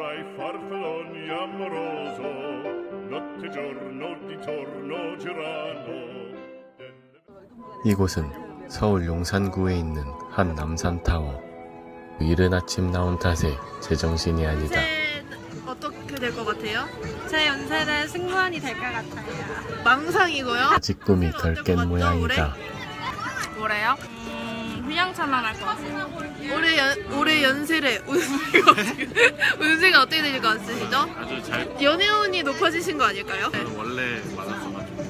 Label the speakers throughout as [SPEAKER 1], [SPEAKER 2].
[SPEAKER 1] ai farfalloni amoroso, notte giorno di torno girano.
[SPEAKER 2] 이곳은 서울 용산구에 있는 한 남산타워. 이른 아침 나온 탓에 제정신이 아니다.
[SPEAKER 3] 어떻게 될 것 같아요?
[SPEAKER 4] 제 연세는 승무원이 될 것 같아요.
[SPEAKER 3] 망상이고요.
[SPEAKER 2] 아직 꿈이 덜 깬 모양이다.
[SPEAKER 4] 뭐래요? 휘황찬란할 것 같아요.
[SPEAKER 3] 올해 연세래. 운세가 어떻게 되실 것 같으시죠?
[SPEAKER 5] 아주 잘.
[SPEAKER 3] 연애운이 높아지신 거 아닐까요?
[SPEAKER 5] 저는 원래 많았어가지고.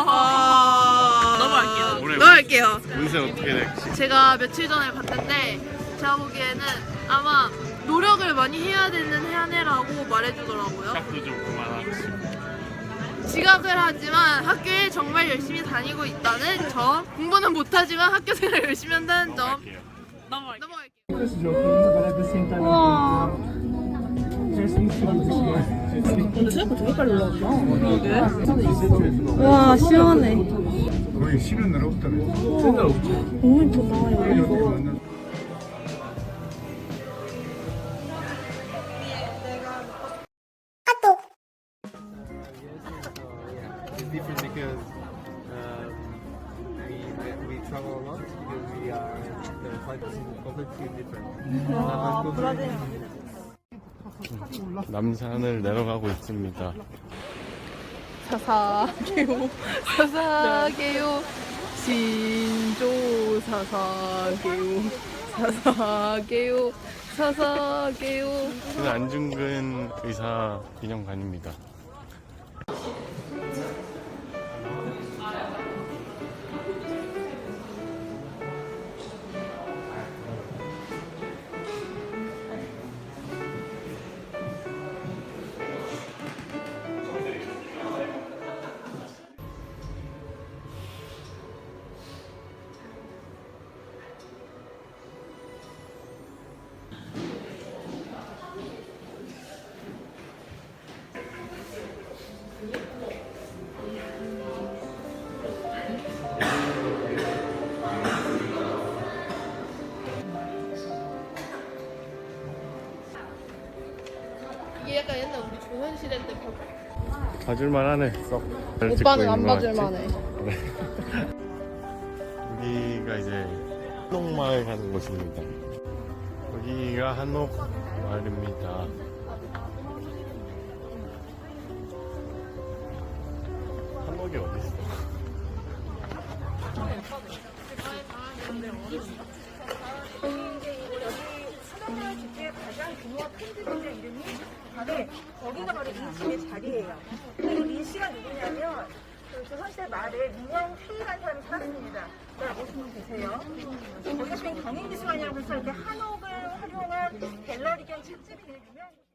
[SPEAKER 3] 넘어갈게요.
[SPEAKER 5] 올해
[SPEAKER 3] 넘어갈게요.
[SPEAKER 5] 운세 어떻게 될지.
[SPEAKER 3] 제가 며칠 전에 봤는데 제가 보기에는 아마 노력을 많이 해야 되는 한 해라고 말해주더라고요.
[SPEAKER 5] 시작도 좀 그만하고.
[SPEAKER 3] 지각을 하지만 학교에 정말 열심히 다니고 있다는 점, 공부는 못하지만 학교 생활 열심히 한다는 점.
[SPEAKER 5] 넘어갈게요.
[SPEAKER 3] 넘어갈게요.
[SPEAKER 4] 우와. 와 시원해.
[SPEAKER 6] 거의 쉬는 날 없다네.
[SPEAKER 4] 너무 예쁘다.
[SPEAKER 7] It's different because we travel a lot because we are the flight is completely different.
[SPEAKER 2] 남산을 내려가고 있습니다.
[SPEAKER 3] 사사게요, 사사게요, 신조 사사게요, 사사게요, 사사게요.
[SPEAKER 2] 저는 안중근 의사 기념관입니다.
[SPEAKER 3] 이게 약간 옛날 우리 조선시대 때
[SPEAKER 2] 봐줄만하네. 썩. 잘 찍고
[SPEAKER 3] 오빠는
[SPEAKER 2] 있는
[SPEAKER 3] 안
[SPEAKER 2] 것
[SPEAKER 3] 봐줄만해.
[SPEAKER 2] 같지? 여기가 이제 한옥마을 가는 곳입니다. 여기가 한옥마을입니다. 한옥이 어딨어?
[SPEAKER 8] 가장 규모가 큰 집인데 이름이 거기가 바로 이 집의 자리예요. 그리고 이 씨가 누구냐면 그 조선시대 말에 민영 회의라는 사람이 살았습니다. 자, 보시면 되세요. 거기가 지금 경인미술관이라고 해서 이렇게 한옥을 활용한 갤러리 겸 책집이 되게 유명한